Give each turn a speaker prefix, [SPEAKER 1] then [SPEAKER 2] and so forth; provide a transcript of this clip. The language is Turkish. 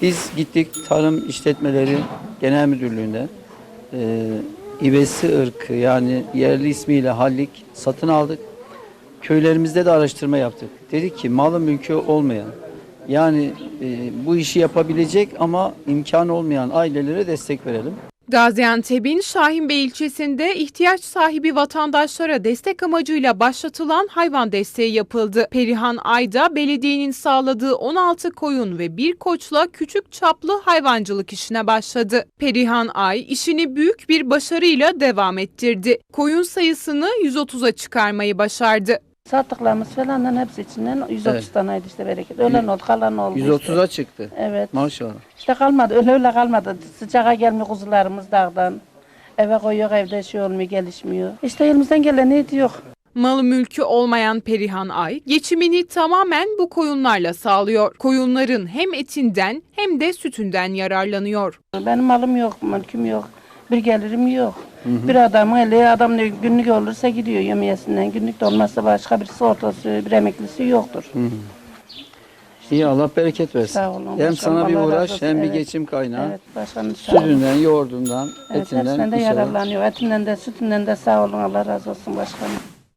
[SPEAKER 1] Biz gittik Tarım İşletmeleri Genel Müdürlüğü'nden İbesi ırkı yani yerli ismiyle hallik satın aldık. Köylerimizde de araştırma yaptık. Dedik ki malı mülkü olmayan yani bu işi yapabilecek ama imkanı olmayan ailelere destek verelim.
[SPEAKER 2] Gaziantep'in Şahinbey ilçesinde ihtiyaç sahibi vatandaşlara destek amacıyla başlatılan hayvan desteği yapıldı. Perihan Ayda belediyenin sağladığı 16 koyun ve bir koçla küçük çaplı hayvancılık işine başladı. Perihan Ay işini büyük bir başarıyla devam ettirdi. Koyun sayısını 130'a çıkarmayı başardı.
[SPEAKER 3] Sattıklarımız falanların hepsi içinden 130 taneydi işte bereket. Ölen oldu, kalan oldu.
[SPEAKER 1] 130'a çıktı.
[SPEAKER 3] Evet.
[SPEAKER 1] Maşallah.
[SPEAKER 3] İşte kalmadı, öyle kalmadı. Sıcağa gelmiyor kuzularımız dağdan. Eve koyuyor, evde şey olmuyor, gelişmiyor. İşte elimizden geleni ediyor.
[SPEAKER 2] Malı mülkü olmayan Perihan Ay, geçimini tamamen bu koyunlarla sağlıyor. Koyunların hem etinden hem de sütünden yararlanıyor.
[SPEAKER 3] Benim malım yok, mülküm yok. Bir gelirim yok. Bir adamın eli, adam ne günlük olursa gidiyor yemiyesinden. Günlük de olmazsa başka bir sigortası, bir emeklisi yoktur.
[SPEAKER 1] İyi Allah bereket versin.
[SPEAKER 3] Sağ olun,
[SPEAKER 1] Hem
[SPEAKER 3] başkanım,
[SPEAKER 1] sana bir
[SPEAKER 3] Allah razı
[SPEAKER 1] uğraş
[SPEAKER 3] olsun.
[SPEAKER 1] hem bir
[SPEAKER 3] Evet.
[SPEAKER 1] geçim kaynağı.
[SPEAKER 3] Evet, başkanım sağ olun.
[SPEAKER 1] Sütünden, yoğurdundan,
[SPEAKER 3] Evet,
[SPEAKER 1] etinden
[SPEAKER 3] hepsinden de
[SPEAKER 1] inşallah.
[SPEAKER 3] yararlanıyor. Etinden de, sütünden de sağ olun. Allah razı olsun başkanım.